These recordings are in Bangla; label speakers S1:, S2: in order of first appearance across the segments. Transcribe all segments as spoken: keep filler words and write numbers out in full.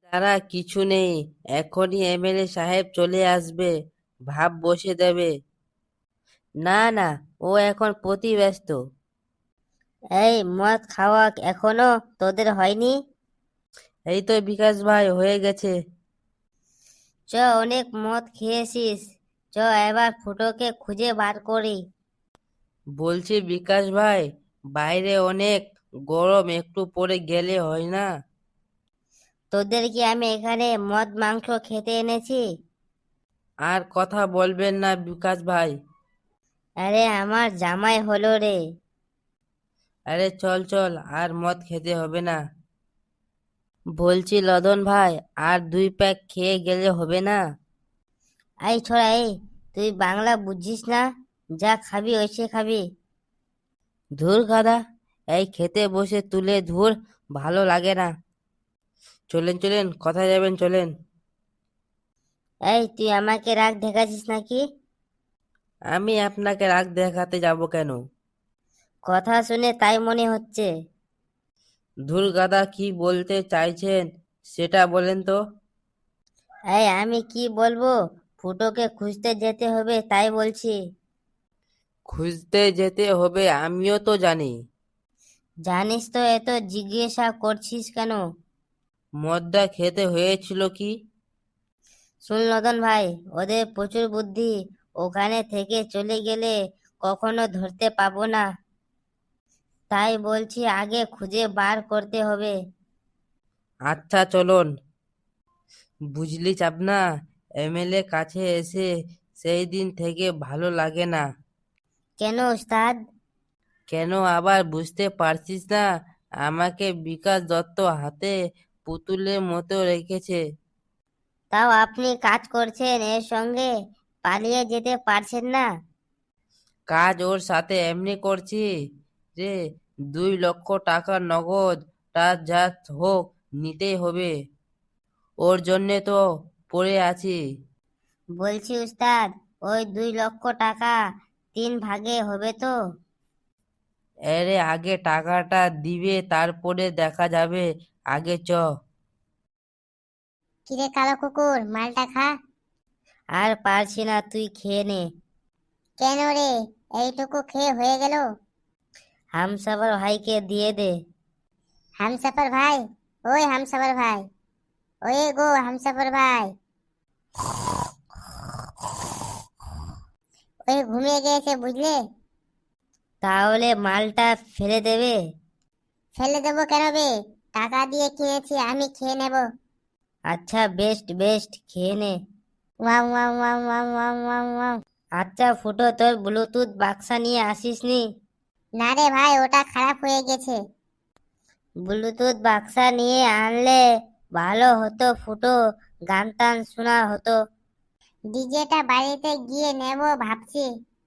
S1: তারা কিছু নেই, এখনই এমএলএ সাহেব চলে আসবে, ভাব বসে দেবে। না না, ও এখন প্রতি ব্যস্ত।
S2: এই মদ খাওয়া এখনো তোদের হয়নি?
S1: এই তো বিকাশ ভাই, হয়ে গেছে।
S2: চ, অনেক মদ খেয়েছিস, চ এবার ফুটোকে খুঁজে বার করি।
S1: বলছি বিকাশ ভাই, বাইরে অনেক গরম, একটু পরে গেলে হয় না?
S2: তোদের কি আমি এখানে মদ মাংস খেতে এনেছি?
S1: আর কথা বলবেন না বিকাশ ভাই।
S2: আরে আমার জামাই হলো রে।
S1: আরে চল চল, আর মদ খেতে হবে না। বলছি লদন ভাই, আর দুই প্যাক খেয়ে গেলে হবে না?
S2: এই ছোড়া, এই তুই বাংলা বুঝিস না? যা খাবি ওইসে খাবি।
S1: ধুর গাদা, এই খেতে বসে তুলে ধুর, ভালো লাগে না। চলেন চলেন, কোথায় যাবেন চলেন।
S2: এই তুই আমাকে রাগ দেখাচ্ছিস নাকি?
S1: আমি আপনাকে রাগ দেখাতে যাব কেন?
S2: কথা শুনে তাই মনে হচ্ছে।
S1: ধুর গাদা, কি বলতে চাইছেন সেটা বলেন তো।
S2: এই আমি কি বলবো, ফুটোকে খুঁজতে যেতে হবে তাই বলছি।
S1: খুঁজতে যেতে হবে আমিও তো জানি।
S2: জানিস তো, এত জিজ্ঞাসা করছিস কেন?
S1: মদটা খেতে হয়েছিল কি?
S2: শুন লদন ভাই, ওদের প্রচুর বুদ্ধি, ওখানে থেকে চলে গেলে কখনো ধরতে পাবো না। তাই বলছি আগে খুঁজে বার করতে হবে।
S1: আচ্ছা চলুন। বুঝলি চাপনা, এমএলএ কাছে এসে সেই দিন থেকে ভালো লাগে না।
S2: কেন ওস্তাদ?
S1: কেন আবার বুঝতে পারছিস না? আমাকে বিকাশ দত্ত হাতে পুতুলের মতো রেখেছে।
S2: তাও আপনি কাজ করছেন এর সঙ্গে, পালিয়ে যেতে পারছেন না?
S1: কাজ ওর সাথে এমনি করছি রে, দুই লক্ষ টাকা নগদ, তার যা হোক নিতেই হবে। ওর জন্যে তো পড়ে আছি।
S2: বলছি উস্তাদ, ওই দুই লক্ষ টাকা তিন ভাগে হবে তো?
S1: এরে আগে টাকাটা দিবে, তারপরে দেখা যাবে। আগে চ।
S2: কিরে কালো কুকুর, মালটা খা। আর পারছি না, তুই খেয়ে নে। কেন রে, এইটুকু খেয়ে হয়ে গেল? হামসাফার ভাইকে দিয়ে দে। হামসাফার ভাই, ওই হামসাফার ভাই, ওই গো হামসাফার ভাই, ওই ঘুমিয়ে গিয়েছে বুঝলে। তাহলে মালটা ফেলে দেবে? ফেলে দেবো কেন বে, টাকা দিয়ে কিনেছি, আমি খেয়ে নেব। আচ্ছা বেস্ট বেস্ট, খেয়ে নে। Wow wow wow wow wow wow wow. আচ্ছা ফুটো, তোর ব্লুটুথ বাক্সা নিয়ে আসিস নি? না রে ভাই, ওটা খারাপ হয়ে গেছে। ব্লুটুথ বাক্সা নিয়ে আনলে ভালো হতো ফুটো, গান টান শোনা হতো। ডিজেটা বাড়িতে গিয়ে নেব ভাবছি।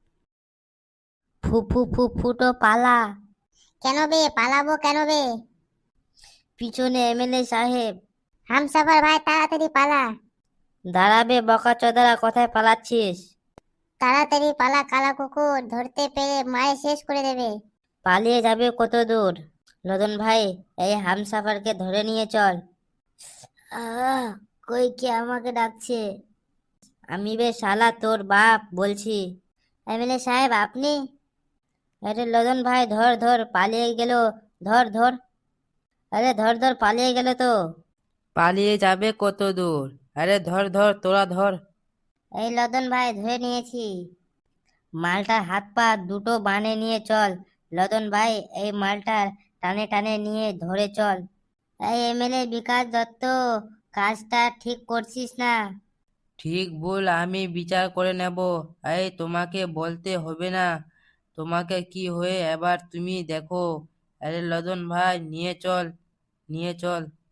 S2: ফু ফু ফু ফুটো পালা। কেন বে, পালাবো কেন বে? পিছনে এমএলএ সাহেব। হামসাফার ভাই তাড়াতাড়ি পালা। দাঁড়াবে বকাচোদারা, কোথায় পালাচ্ছিস? তাড়াতাড়ি পালা, কালা কুকুর ধরতে পেরে মায়ে শেষ করে দেবে। পালিয়ে যাবে কত দূর? লদন ভাই, এই হামসাফারকে ধরে নিয়ে চল। আহ, কই কে আমাকে ডাকছে? আমি বে শালা তোর বাপ বলছি। এমএলএ সাহেব আপনি? আরে লদন ভাই, ধর ধর, পালিয়ে গেল। ধর ধর, আরে ধর ধর, পালিয়ে গেল তো।
S1: পালিয়ে যাবে কত দূর? আরে ধর ধর, তোরা ধর।
S2: এই লদন ভাই, ধরে নিয়েছি। মালটার হাত পা দুটো বানে নিয়ে চল। লদন ভাই, এই মালটার টানে টানে নিয়ে ধরে চল। এই এমএলএ বিকাশ দত্ত, কাজটা ঠিক করছিস না?
S1: ঠিক ভুল আমি বিচার করে নেব। এই তোমাকে বলতে হবে না তোমাকে কি হয়ে, এবার তুমি দেখো। আরে লদন ভাই, নিয়ে চল, নিয়ে চল।